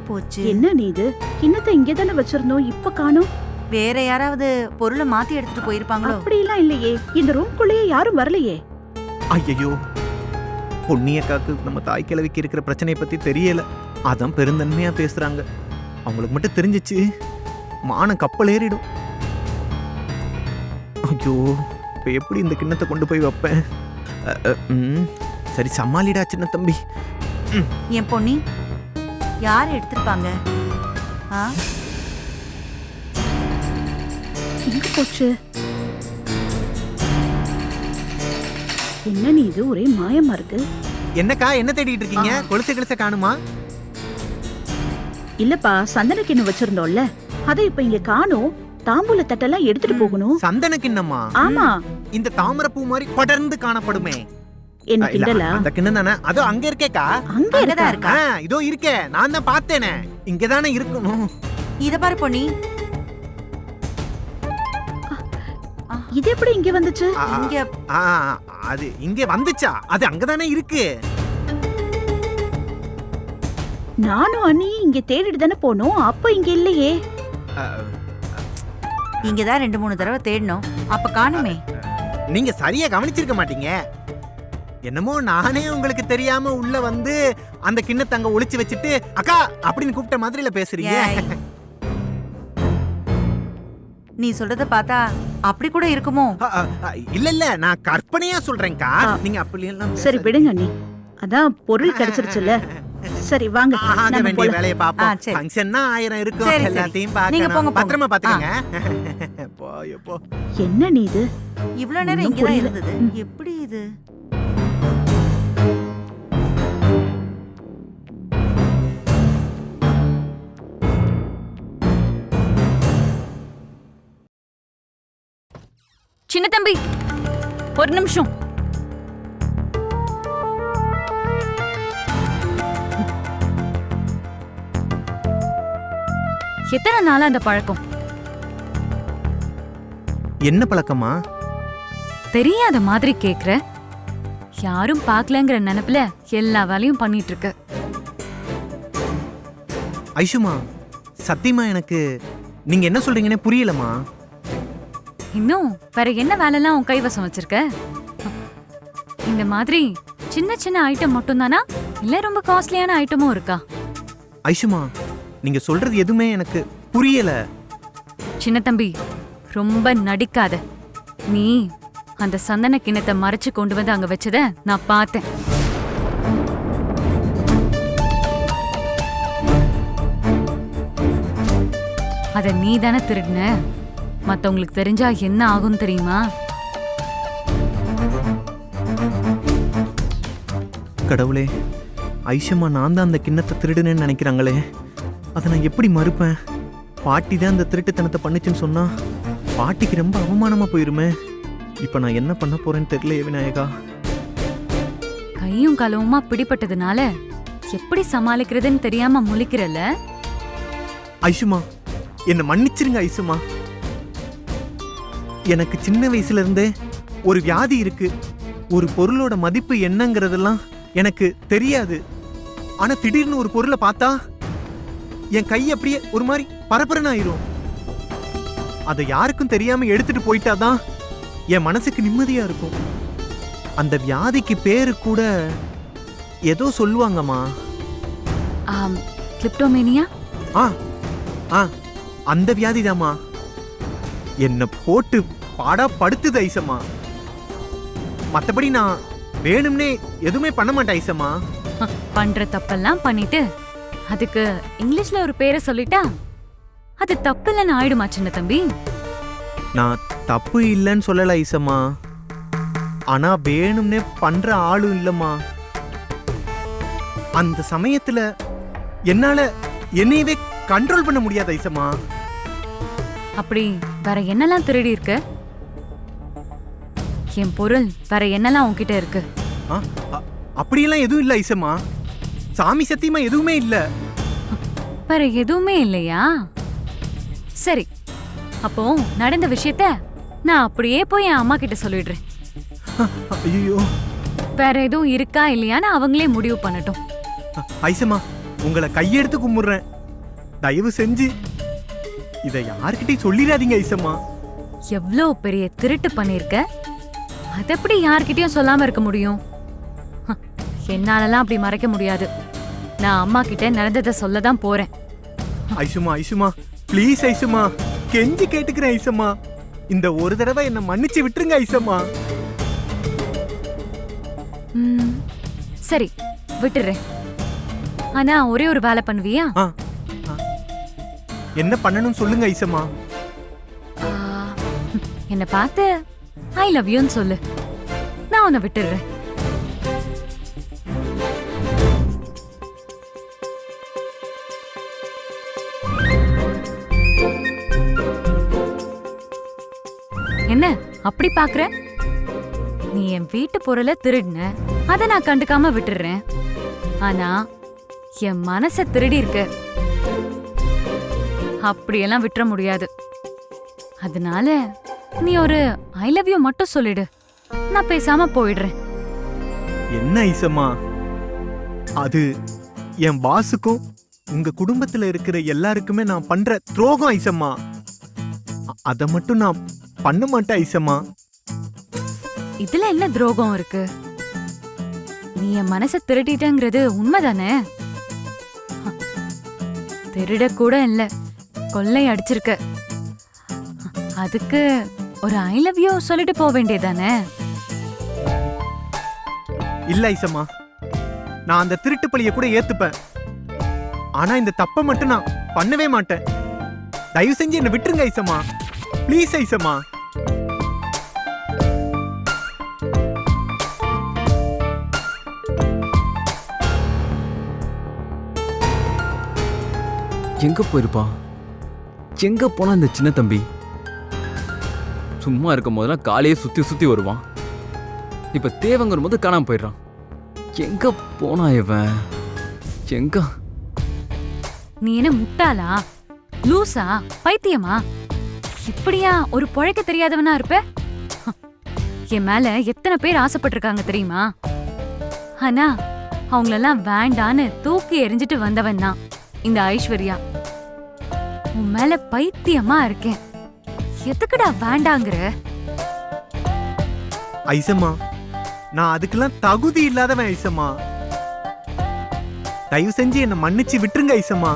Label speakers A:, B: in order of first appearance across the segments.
A: போச்சு.
B: என்ன நீ இது? கிண்ணத்தை இங்கே தானே வச்சிருந்தோம், இப்ப காணோம்.
A: வேற யாராவது பொருளை மாத்தி எடுத்துட்டு போயிருப்பாங்களோ?
B: அப்படிலாம் இல்லையே, இந்த ரூம்குள்ளேயே யாரும் வரலையே.
C: ஐயோ, பொன்னியக்காக்கு நம்ம தாய் கிழவிக்கு இருக்கிற பிரச்சனையை பத்தி தெரியல. அதான் பெருந்தன்மையா பேசுறாங்க. அவங்களுக்கு மட்டும் தெரிஞ்சிச்சு மானம் கப்பல் ஏறிடும். ஐயோ, இப்ப எப்படி இந்த கிண்ணத்தை கொண்டு போய் வைப்பேன்? சரி, சமாளிடா சின்ன தம்பி.
A: என் பொன்னி, யார் எடுத்திருப்பாங்க?
B: எங்க போச்சு? என்ன நீ இது, ஒரே மாயமா இருக்கு.
C: என்னக்கா, என்ன தேடிட்டு இருக்கீங்க? கொலுசை கிழிச்ச காணுமா?
B: இல்லப்பா, சந்தன கிண்ணம் வச்சிருந்தோம்ல, அதை இப்ப இங்க காணோம். தாம்பூல தட்டெல்லாம் எடுத்துட்டு போகணும்.
C: சந்தன கிண்ணமா?
B: ஆமா,
C: இந்த தாமரை பூ மாதிரி படர்ந்து காணப்படுமே.
B: என்ன கிண்டலா?
C: அந்த கிண்ணம் தானே, அதோ அங்க இருக்கேக்கா.
A: அங்கதான் இருக்கா?
C: இதோ இருக்கே, நான் தான் பார்த்தேனே. இங்கதானே இருக்கணும்.
A: இத பாரு பொன்னி,
B: இது எப்படி இங்க வந்துச்சு?
A: இங்க
C: அது இங்க வந்துச்சா? அது அங்கதானே இருக்கு.
B: நானும் அண்ணியும் இங்க தேடிட்டு தானே போனோம், அப்ப இங்க இல்லையே.
A: இங்கதான் 2-3 தடவை தேடணும், அப்ப காணுமே.
C: நீங்க சரியா கவனிச்சிருக்க மாட்டீங்க. என்னமோ நானே உங்களுக்கு தெரியாம உள்ள வந்து அந்த கிண்ணத்தை அங்க ஒளிச்சு வச்சுட்டு அக்கா அப்படின்னு கூப்பிட்ட மாதிரில பேசுறீங்க.
A: நீ சொல்றத பார்த்தா அப்படி கூட இருக்குமோ?
C: இல்ல இல்ல, நான் கற்பனையா சொல்றேன்க்கா. நீங்க அப்படி எல்லாம்
B: சரி விடுங்க அண்ணி, அதான் பொருள் கிடைச்சிருச்சுல. சரி வாங்க, நம்ம போலாம்.
C: வேலையை பாப்போம். ஃபங்க்ஷன்னா 1000 இருக்கும், எல்லாத்தையும் பார்க்கணும். பத்திரமா பாத்துக்கங்க. போ.
B: என்ன நீ இது?
A: இவ்வளவு நேரம் இங்க தான் இருந்தது, எப்படி இது?
D: சின்ன தம்பி, ஒரு நிமிஷம். எத்தனை நாளா அந்த பழக்கம்?
C: என்ன பழக்கமா?
D: தெரியாத மாதிரி கேக்குற. யாரும் பாக்கலங்கிற நினைப்புல எல்லா வேலையும் பண்ணிட்டு இருக்க.
C: ஐஷுமா, சத்தியமா எனக்கு நீங்க என்ன சொல்றீங்கன்னே புரியலமா.
D: இன்னும் வேற என்ன வேலைலாம் உன் கைவசம் வச்சிருக்க? இந்த மாதிரி சின்ன சின்ன ஐட்டம் மட்டும் தானா, இல்ல ரொம்ப காஸ்ட்லியான ஐட்டமும் இருக்கா?
C: ஐஷுமா, நீங்க சொல்றது எதுவுமே எனக்கு புரியல.
D: சின்ன தம்பி, ரொம்ப நடிக்காத. நீ அந்த சந்தன கிண்ணத்தை மறைச்சு கொண்டு வந்து அங்க வச்சத நான் பார்த்தேன். அத நீ தானே திருடுன. மத்தவங்களுக்கு தெரிஞ்சா என்ன ஆகும் தெரியுமா?
C: கடவுளே, ஐஷுமா நான் தான் அந்த கிண்ணத்தை திருடுனேன்னு நினைக்கிறாங்களே. அதை நான் எப்படி மறுப்பேன்? பாட்டி தான் அந்த திருட்டுத்தனத்தை பண்ணுச்சுன்னு சொன்னா பாட்டிக்கு ரொம்ப அவமானமா போயிருமே. இப்ப நான் என்ன பண்ண போறேன்னு தெரியலையே விநாயகா.
D: கையும் களவுமா பிடிபட்டதுனால எப்படி சமாளிக்கிறதுன்னு தெரியாம முழிக்கிறல்ல.
C: ஐஷுமா, என்ன மன்னிச்சிருங்க ஐஷுமா. எனக்கு சின்ன வயசுல இருந்தே ஒரு வியாதி இருக்கு. ஒரு பொருளோட மதிப்பு என்னங்கிறதெல்லாம் எனக்கு தெரியாது. ஆனா திடீர்னு ஒரு பொருளை பார்த்தா என் கை அப்படியே ஒரு மாதிரி பரபரன்னு ஆயிரும். அதை யாருக்கும் தெரியாம எடுத்துட்டு போயிட்டாதான் என் மனசுக்கு நிம்மதியா இருக்கும். அந்த வியாதிக்கு பேரு கூட ஏதோ சொல்லுவாங்கம்மா.
D: கிளிப்டோமேனியா?
C: அந்த வியாதிதாம்மா. என்ன போட்டு பாடா படுத்துது ஐசம்மா. மத்தபடி நான் வேணும்னே எதுவுமே பண்ண மாட்டேன் ஐசம்மா.
D: பண்ற தப்பெல்லாம் பண்ணிட்டு அதுக்கு இங்கிலீஷ்ல ஒரு பேரை சொல்லிட்டா அது தப்பு இல்லைன்னு ஆயிடுமா சின்ன தம்பி?
C: நான் தப்பு இல்லைன்னு சொல்லல ஐசம்மா. ஆனா வேணும்னே பண்ற ஆளும் இல்லம்மா. அந்த சமயத்துல என்னால என்னையவே கண்ட்ரோல் பண்ண முடியாது ஐசம்மா.
D: அப்படி வேற என்னெல்லாம் திருடி இருக்கு? என் பொருள் வேற என்னெல்லாம் உன்கிட்ட இருக்கு?
C: அப்படியெல்லாம் எதுவும் இல்ல ஐசம்மா. சாமி சத்தியமா எதுவுமே இல்ல.
D: வேற எதுவுமே இல்லையா? சரி, அப்போ நடந்த விஷயத்த நான் அப்படியே போய் என் அம்மா கிட்ட சொல்லிடுறேன்.
C: ஐயோ,
D: வேற எதுவும் இருக்கா இல்லையான்னு அவங்களே முடிவு பண்ணட்டும்.
C: ஐசம்மா, உங்களை கையெடுத்து கும்பிடுறேன். தயவு செஞ்சு இதை யார்கிட்டயும் சொல்லிடாதீங்க ஐசம்மா.
D: எவ்ளோ பெரிய திருட்டு பண்ணிருக்க, அத எப்படி யார்கிட்டயும் சொல்லாம இருக்க முடியும்? என்னாலலாம் அப்படி மறைக்க முடியாது. நான் அம்மா கிட்ட நடந்ததை சொல்லதான் போறேன்.
C: ஐசுமா ஐசுமா ப்ளீஸ் ஐசுமா, கெஞ்சி கேட்டுக்கிறேன் ஐசம்மா. இந்த ஒரு தடவை என்ன மன்னிச்சு விட்டுருங்க ஐசம்மா.
D: சரி விட்டுறேன். ஆனா ஒரே ஒரு வேலை பண்ணுவியா?
C: ஆ, ஆ. என்ன பண்ணணும் சொல்லுங்க ஐசம்மா.
D: என்ன பார்த்து ஐ லவ் யூன்னு சொல்லு, நான் உன்னை விட்டுடுறேன். என்ன அப்படி பாக்குற? நீ என் வீட்டு பொருளை திருடின, அத நான் கண்டுக்காம விட்டுடுறேன். ஆனா என் மனச திருடி இருக்க, அப்படியெல்லாம் விட்டுற முடியாது. அதனால நீ ஒரு ஐ லவ் யூ மட்டும் சொல்லிடு, நான் பேசாம போயிடுறேன்.
C: என்ன ஐசம்மா, அது என் பாஸுக்கும் உங்க குடும்பத்துல இருக்கிற எல்லாருக்குமே நான் பண்ற துரோகம் ஐசம்மா. அத மட்டும் நான் பண்ண மாட்டேன் ஐசம்மா.
D: இதுல என்ன துரோகம் இருக்கு? நீ என் மனச திருடிட்டங்கிறது உண்மைதானே? திருட கூட இல்ல, கொள்ளை அடிச்சிருக்க. அதுக்கு ஒரு ஐ லவ் யூ சொல்லிட்டு போக வேண்டியதானே?
C: இல்ல ஐசம்மா, நான் அந்த திருட்டு பழிய கூட ஏத்துப்பேன். ஆனா இந்த தப்ப மட்டும் நான் பண்ணவே மாட்டேன். தயவு செஞ்சு என்ன விட்டுருங்க ஐசம்மா, ப்ளீஸ் ஐசம்மா.
E: எங்க போயிருப்பான்? எங்க போனா இந்த சின்ன தம்பி? சும்மா இருக்கும் போதெல்லாம் காலையே சுத்தி சுத்தி வருவான். இப்ப தேவங்கிற போது காணாம போயிடுறான். எங்க போனா இவன்? எங்க?
D: நீ என்ன முட்டாளா, லூசா, பைத்தியமா? இப்படியா ஒரு பொழைக்க தெரியாதவனா இருப்ப? என் மேல எத்தனை பேர் ஆசைப்பட்டிருக்காங்க தெரியுமா? ஆனா அவங்களெல்லாம் வேண்டான்னு தூக்கி எறிஞ்சிட்டு வந்தவன் தான் இந்த ஐஸ்வர்யா. உன் மேல பைத்தியமா இருக்கேன். எதுக்குடா வேண்டாங்கிற?
C: ஐசம்மா, நான் அதுக்கெல்லாம் தகுதி இல்லாதவன் ஐசம்மா. தயவு செஞ்சு என்ன மன்னிச்சு விட்டுருங்க ஐசம்மா.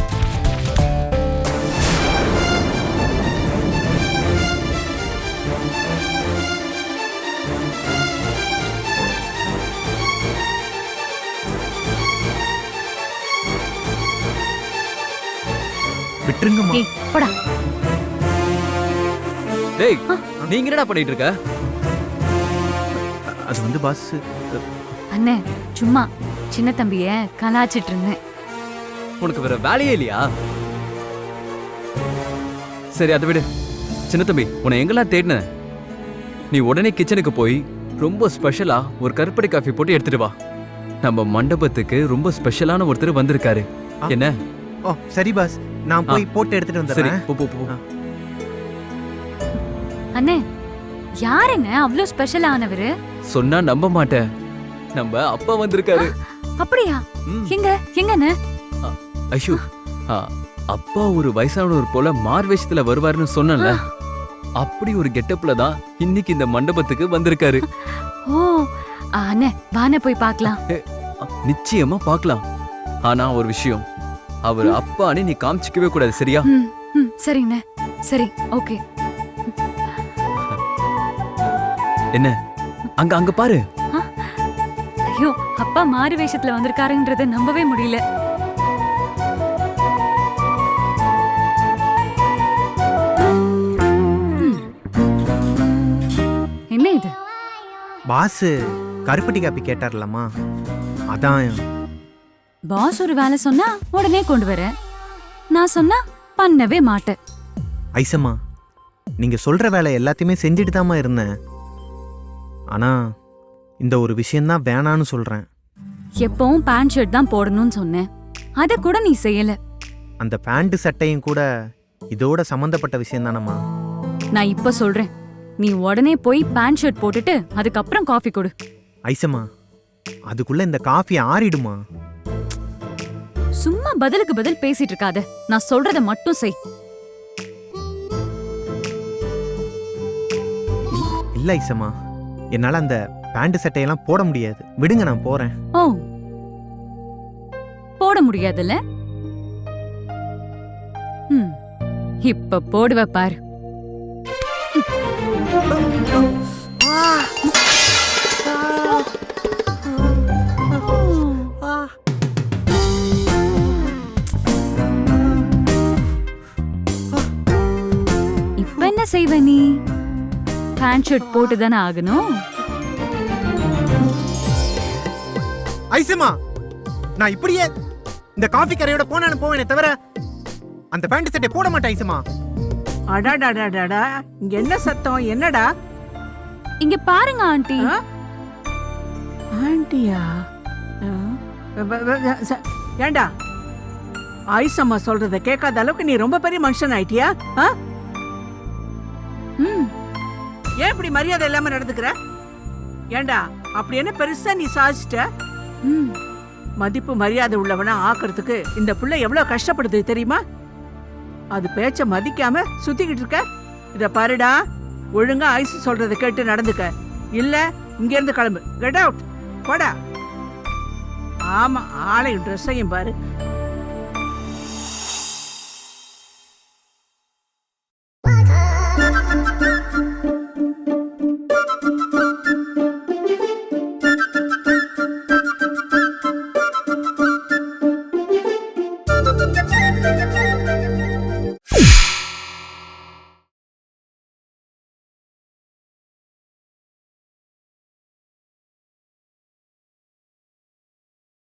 C: விட்டுருங்கம்மா.
D: ஏய், போடா.
E: டேய், நீங்க என்னடா பண்ணிட்டு இருக்க?
C: அது வந்து பாஸ்,
D: அண்ணே சும்மா சின்ன தம்பிய கலாச்சிட்டு இருந்தேன்.
E: உனக்கு வேற வேலையே இல்லையா? சரி அதை விடு. சின்ன தம்பி, உன்னை எங்கெல்லாம் தேடின? நீ உடனே கிச்சனுக்கு போய் ரொம்ப ஸ்பெஷலா ஒரு கருப்பட்டி காஃபி போட்டு எடுத்துட்டு வா. நம்ம மண்டபத்துக்கு ரொம்ப ஸ்பெஷலான ஒருத்தர் வந்திருக்காரு. என்ன?
C: ஓ சரி பாஸ், நான் போய் போட்டு எடுத்துட்டு
E: சரி,
C: வந்துடுறேன்.
E: போ போ போ.
D: அண்ணே யாருங்க அவ்வளோ ஸ்பெஷல் ஆனவரு?
E: சொன்னா நம்ப மாட்டேன். நம்ம அப்பா வந்திருக்காரு.
D: அப்படியா?
E: ம்.
D: எங்க எங்கண்ணே?
E: ஐஷு, அப்பா ஒரு வயசானவர் போல மார்வேஷத்துல வருவாருன்னு சொன்னல, அப்படி ஒரு கெட்டப்ல தான் இன்னைக்கு இந்த மண்டபத்துக்கு வந்திருக்காரு.
D: ஓ அண்ணே, வானே போய் பார்க்கலாம்.
E: நிச்சயமா பார்க்கலாம். ஆனா ஒரு விஷயம், அவர் அப்பான்னு நீ காமிச்சிக்கவே கூடாது, சரியா?
D: சரிண்ணே, சரி, ஓகே.
E: என்ன அங்க அங்க பாரு.
D: ஐயோ, அப்பா மாறு வேஷத்துல வந்திருக்காருன்றத நம்பவே முடியல. என்ன இது?
C: பாஸ் கருப்பட்டி காப்பி கேட்டார்லம்மா, அதான்.
D: பாஸ் ஒரு வேலை சொன்னா உடனே கொண்டு வர, நான் சொன்னா பண்ணவே மாட்டேன்.
C: ஐசம்மா, நீங்க சொல்ற வேலை எல்லாத்தையுமே செஞ்சுட்டு தாம்மா இருந்தேன். ஆனா இந்த ஒரு விஷயம்தான் வேணான்னு சொல்றேன்.
D: எப்பவும் பேண்ட் ஷர்ட் தான் போடணும்னு சொன்னேன், அத கூட நீ செய்யல.
C: அந்த பேண்ட் சட்டையும் கூட இதோட சம்பந்தப்பட்ட விஷயம் தானம்மா.
D: நான் இப்ப சொல்றேன், நீ உடனே போய் பேண்ட் ஷர்ட் போட்டுட்டு அதுக்கப்புறம் காஃபி கொடு.
C: ஐசம்மா, அதுக்குள்ள இந்த காஃபி ஆறிடுமா?
D: சும்மா பதிலுக்கு பதில் பேசிட்டு இருக்காத. நான் சொல்றத மட்டும் செய்.
C: இல்ல ஐசம்மா, என்னால அந்த பேண்ட் சட்டையெல்லாம் போட முடியாது. விடுங்க, நான் போறேன்.
D: ஓ, போட முடியாதுல்ல? இப்ப போடுவ பாரு. இப்ப என்ன செய்வ நீ? பேண்ட் ஷர்ட் போட்டு தானே ஆகணும்.
C: ஐசம்மா, நான் இப்படியே இந்த காஃபி கரையோட போனான்னு போவேனே தவிர அந்த பேண்ட் சட்டை போட மாட்டேன் ஐசம்மா.
F: அடாடாடாடாடா, இங்க என்ன சத்தம்? என்னடா?
D: இங்க பாருங்க ஆண்டி.
F: ஆ? ஆண்டியா? ஏண்டா, ஐசம்மா சொல்றத கேட்காத அளவுக்கு நீ ரொம்ப பெரிய மனுஷன் ஆயிட்டியா?
D: ம்,
F: ஏன் இப்படி மரியாதை இல்லாம நடந்துக்கிற? ஏண்டா, அப்படி என்ன பெருசா நீ சாதிச்சிட்ட?
D: ம்.
F: மதிப்பு மரியாதை உள்ளவனா ஆக்குறதுக்கு இந்த புள்ள எவ்வளவு கஷ்டப்படுது தெரியுமா? அது பேச்ச மதிக்காம சுத்திக்கிட்டு இருக்க. இத பாருடா, ஒழுங்கா ஐஸ் சொல்றத கேட்டு நடந்துக்க. இல்ல இங்க இருந்து கிளம்பு. Get out. போடா. ஆமா, ஆளையும் ட்ரெஸ்ஸையும் பாரு.